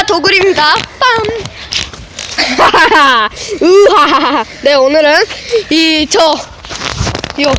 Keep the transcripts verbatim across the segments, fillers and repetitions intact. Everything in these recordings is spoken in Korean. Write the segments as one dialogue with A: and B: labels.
A: 도굴입니다. 빰. 으하하하. 네, 오늘은 이 저 요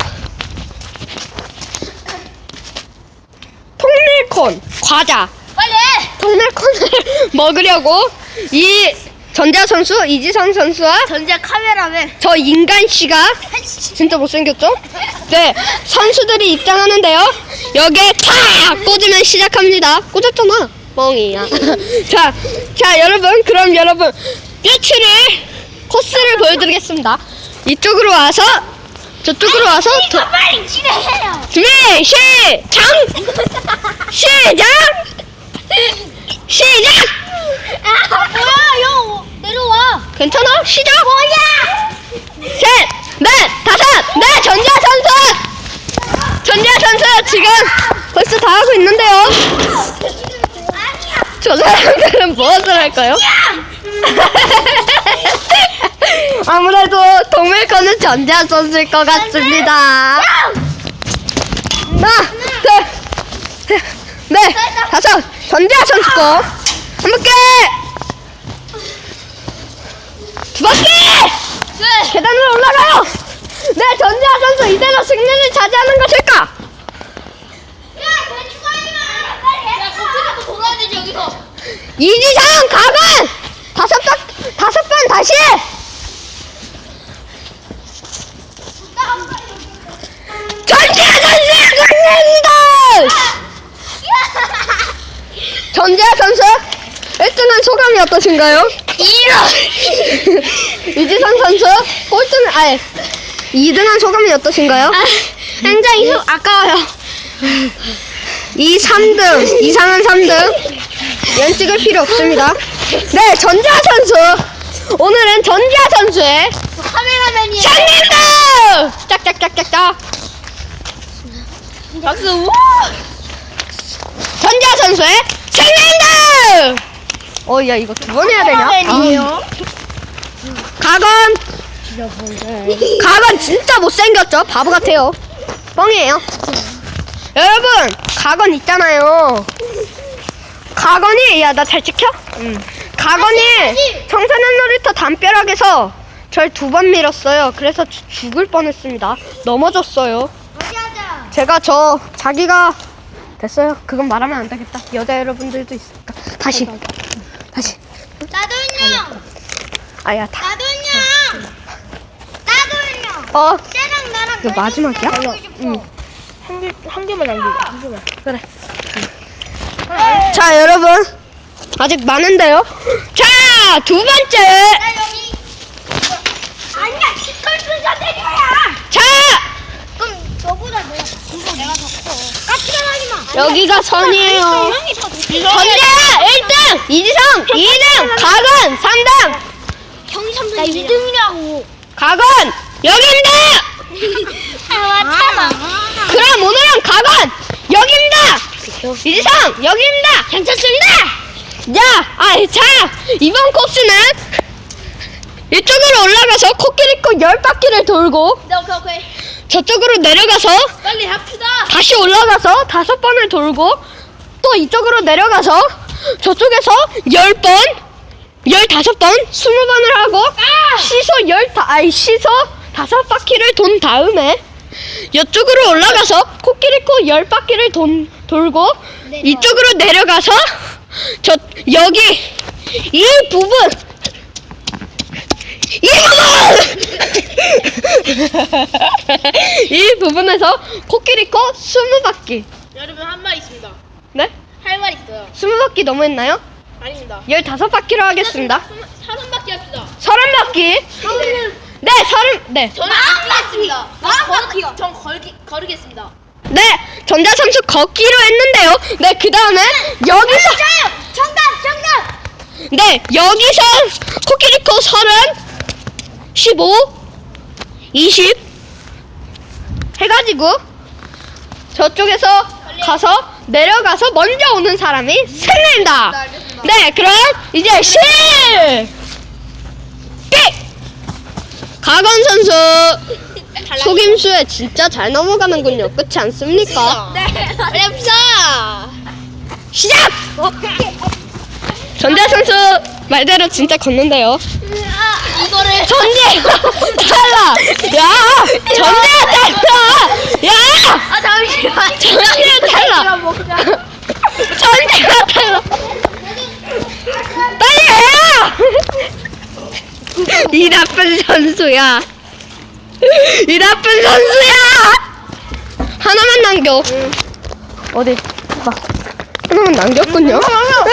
A: 통밀콘 과자
B: 빨리!
A: 통밀콘을 먹으려고 이 전자 선수 이지선 선수와
B: 전자 카메라맨.
A: 저 인간 씨가 진짜 못생겼죠? 네, 선수들이 입장하는데요. 여기에 탁 꽂으면 시작합니다. 꽂았잖아, 멍이야. 자, 자 여러분, 그럼 여러분 뾰치를 코스를 보여드리겠습니다. 이쪽으로 와서 저쪽으로 와서
B: 이거 빨리 진행해요.
A: 준비 시작! 시작! 시작!
B: 아, 뭐야, 형 내려와.
A: 괜찮아? 시작!
B: 뭐야?
A: 셋, 넷, 다섯, 네, 전자 선수! 전자 선수 지금 벌써 다 하고 있는데요.
B: 아니야.
A: 저 사람들은 무엇을 할까요? 아무래도 동물권은 전자 선수일 것 같습니다. 하나, 둘, 셋, 넷, 다섯, 전자 선수 거. 한 바퀴! 두 바퀴!
B: 네.
A: 계단으로 올라가요! 네, 전자 선수 이대로 승리를 차지하는 것일까?
B: 야, 대충 하지 마. 빨리 해. 야, 거기서 돌아야 되지, 여기서.
A: 이지상 가건! 다섯 번, 다섯 번 다시! 전자 선수의 승리입니다! 전자 선수 일 등한 소감이 어떠신가요?
B: 이런.
A: 이지선 선수 꼴등, 아니 이 등한 소감이 어떠신가요?
B: 굉장히 수, 아까워요.
A: 이 삼 등, 이상한 삼 등 연 찍을 필요 없습니다. 네, 전자 선수 오늘은 전자 선수의
B: 카메라맨이에요.
A: 승리입니다! 짝짝짝짝짝
B: 박수. 우!
A: 전자 선수의 승리입니다! 어, 야 이거 두 번 해야 되냐?
B: 카메라맨이에요.
A: 가건! 가건 진짜 못생겼죠? 바보 같아요. 뻥이에요. 여러분, 가건 있잖아요. 가건이, 야, 나 잘 찍혀? 응. 가건이 청소년 놀이터 담벼락에서 절 두 번 밀었어요. 그래서 주, 죽을 뻔했습니다. 넘어졌어요.
B: 어디 하자.
A: 제가 저, 자기가, 됐어요. 그건 말하면 안 되겠다. 여자 여러분들도 있으니까. 다시. 다시.
B: 나도요.
A: 아야, 다.
B: 나도요. 나도요.
A: 어,
B: 쟤랑 나랑
A: 이거 마지막이야?
B: 응.
A: 한 개, 한 개만 남기자, 한 개만. 그래. 자, 여러분. 아직 많은데요? 자, 두 번째.
B: 나 여기. 아니야, 시컬스가 내려야.
A: 자,
B: 그럼 너보다 내가 이거 내가 더 커. 까칠한 하지 마.
A: 여기가 선이에요.
B: 형이 더 높이.
A: 전자 일 등, 이지성 이 등, 가건 삼 등.
B: 형이 삼 등. 나 이 등이라고.
A: 가건, 여기입니다.
B: 아, 참아.
A: 그럼 오늘은 가건, 여기입니다. 이지성, 여기입니다.
B: 괜찮습니다.
A: 야, 아, 자, 이번 코스는 이쪽으로 올라가서 코끼리 코 열 바퀴를 돌고
B: 네, 오케이, 오케이.
A: 저쪽으로 내려가서
B: 빨리 합시다.
A: 다시 올라가서 다섯 번을 돌고 또 이쪽으로 내려가서 저쪽에서 열 번, 열다섯 번, 스무 번을 하고 시소 열 다, 아니 시소 다섯 바퀴를 돈 다음에 이쪽으로 올라가서 코끼리 코 열 바퀴를 돈, 돌고
B: 내려와.
A: 이쪽으로 내려가서 저 여기 이 부분 이 부분 이 부분에서 코끼리 코 스무 바퀴.
B: 여러분 한 말 있습니다.
A: 네?
B: 할 말 있어요.
A: 스무 바퀴 너무 했나요?
B: 아닙니다.
A: 열다섯 바퀴로 하겠습니다.
B: 서른 바퀴 합시다.
A: 서른 바퀴. 네, 서른. 네.
B: 저는 안 맞습니다. 마음 바퀴요. 전 걸기 걸으겠습니다.
A: 네, 전자 선수 걷기로 했는데요. 네, 그 다음에 여기서
B: 정답, 정답.
A: 네, 여기서 코끼리코 서른, 십오, 이십 해가지고 저쪽에서 가서 내려가서 먼저 오는 사람이 승리입니다.
B: 네, 알겠습니다.
A: 네, 그럼 이제 실! 삑! 가건 선수 속임수에 진짜 잘 넘어가는군요. 그렇지 않습니까?
B: 네, 어렵다.
A: 시작! 전재 선수 말대로 진짜 걷는데요.
B: 아, 이거를
A: 전재 달라. 야, 전재 달라. 야,
B: 아 잠시만.
A: 전재 달라.
B: 먹자.
A: 전재가 달라. 빨리 해요. 이 나쁜 선수야. 이 나쁜 선수야. 하나만 남겨. 어디? 봐. 하나만 남겼군요.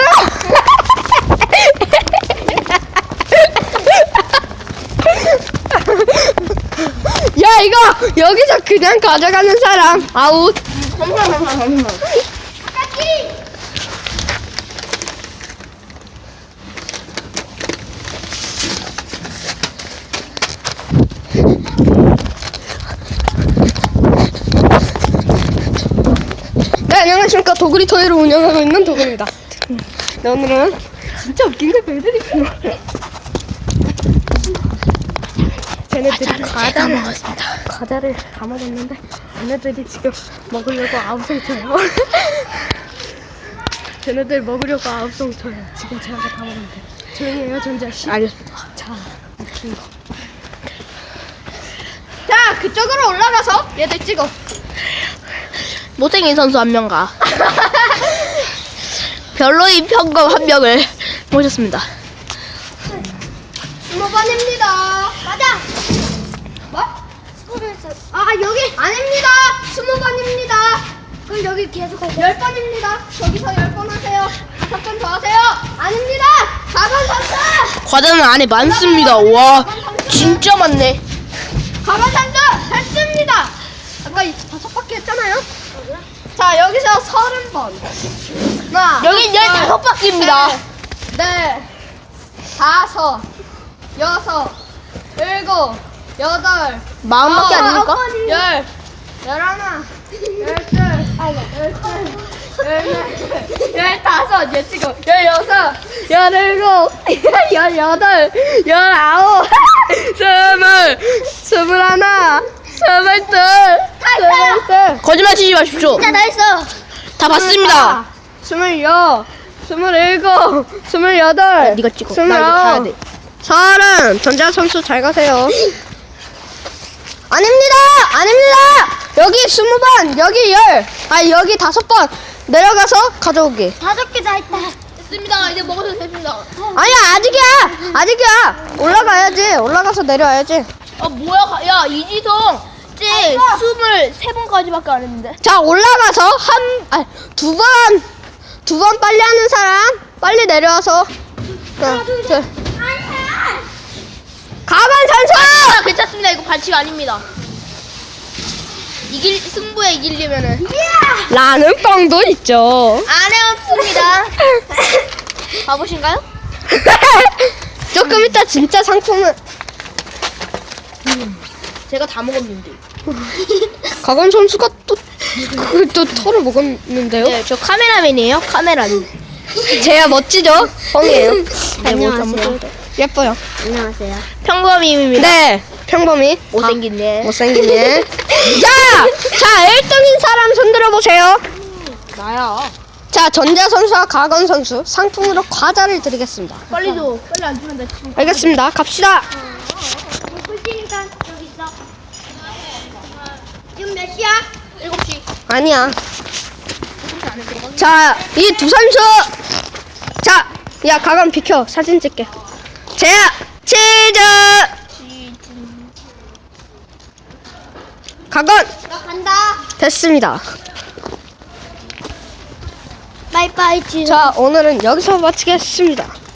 A: 야, 이거 여기서 그냥 가져가는 사람 아웃. 네, 안녕하십니까. 도구리 토이를 운영하고 있는 도구리입니다. 네, 오늘은 진짜 웃긴 걸 보여드릴게요. 쟤네들이 과자를 먹었습니다. 과자를 다 먹었는데 얘네들이 지금 먹으려고 아우성 쳐요. 쟤네들 먹으려고 아우성 쳐요. 지금 제가 다 먹었는데 조용히 해요, 전자 씨. 알겠습니다. 자, 웃긴 거. 자, 그쪽으로 올라가서 얘들 찍어.
B: 못생긴 선수 한 명과 별로인 평검 한 명을 모셨습니다.
A: 스무 번입니다. 맞아. 뭐? 아, 여기 아닙니다. 스무 번입니다. 그럼 여기 계속 하세요. 열 번입니다. 저기서 열 번 하세요. 다섯 번 더 하세요. 아닙니다. 사 번 선수.
B: 과자는 안에 많습니다. 와, 진짜 많네.
A: 사 번 선수 했습니다. 아까 이 다섯 바퀴 했잖아요. 자, 여기서 서른 번. 하나,
B: 여긴 열다섯 바퀴입니다.
A: 네, 네, 다섯, 여섯, 일곱, 여덟,
B: 마흔 바퀴
A: 아홉,
B: 아닙니까?
A: 아홉, 열, 열하나, 열둘, 열셋, 열넷, 열다섯, 얘 지금 열여섯, 열일곱, 열여덟, 열아홉, 스물, 스물하나, 스물둘, 스물셋,
B: 거짓말 치지 마십시오.
A: 진짜 다 했어.
B: 다 봤습니다.
A: 스물여, 스물일곱, 스물여덟,
B: 네가 찍어. 나 이거
A: 스물아홉,
B: 가야 돼.
A: 서른. 전자 선수 잘 가세요. 아닙니다, 아닙니다. 여기 스무 번, 여기 열, 아 여기 다섯 번 내려가서 가져오기.
B: 다섯 개 다 했다. 됐습니다. 이제 먹어도 됩니다.
A: 아니야, 아직이야, 아직이야. 올라가야지, 올라가서 내려와야지.
B: 아 뭐야? 가- 야 이지성, 쟤 스물세 번까지밖에 안 했는데.
A: 자, 올라가서 한, 아, 두 번, 두 번 빨리 하는 사람 빨리 내려와서. 하나, 둘, 셋. 가만
B: 아,
A: 선수.
B: 괜찮습니다. 이거 반칙 아닙니다. 이길 승부에 이기려면은
A: 라는 뻥도 있죠.
B: 안해 없습니다. 바보신가요?
A: 조금 이따 진짜 상품은
B: 제가 다 먹었는데.
A: 가건 선수가 또, 그, 또 털을 먹었는데요.
B: 네, 저 카메라맨이에요. 카메라맨.
A: 제야 멋지죠? 뻥이에요.
B: 안녕하세요.
A: 예뻐요.
B: 안녕하세요. 평범임입니다.
A: 네, 평범이.
B: 못생긴 애.
A: 못생긴 애. 자, 자, 일 등인 사람 손들어 보세요.
B: 나야.
A: 자, 전자 선수와 가건 선수 상품으로 과자를 드리겠습니다.
B: 빨리 줘. 빨리 안 주면 나 지금.
A: 알겠습니다. 갑시다.
B: 지금 몇 시야? 일곱 시.
A: 아니야.
B: 일곱 시 안에 들어가.
A: 자, 이 두 선수. 자, 야, 가건 비켜. 사진 찍게. 자, 치즈. 가건.
B: 나 간다.
A: 됐습니다.
B: 빠이빠이 치.
A: 자, 오늘은 여기서 마치겠습니다.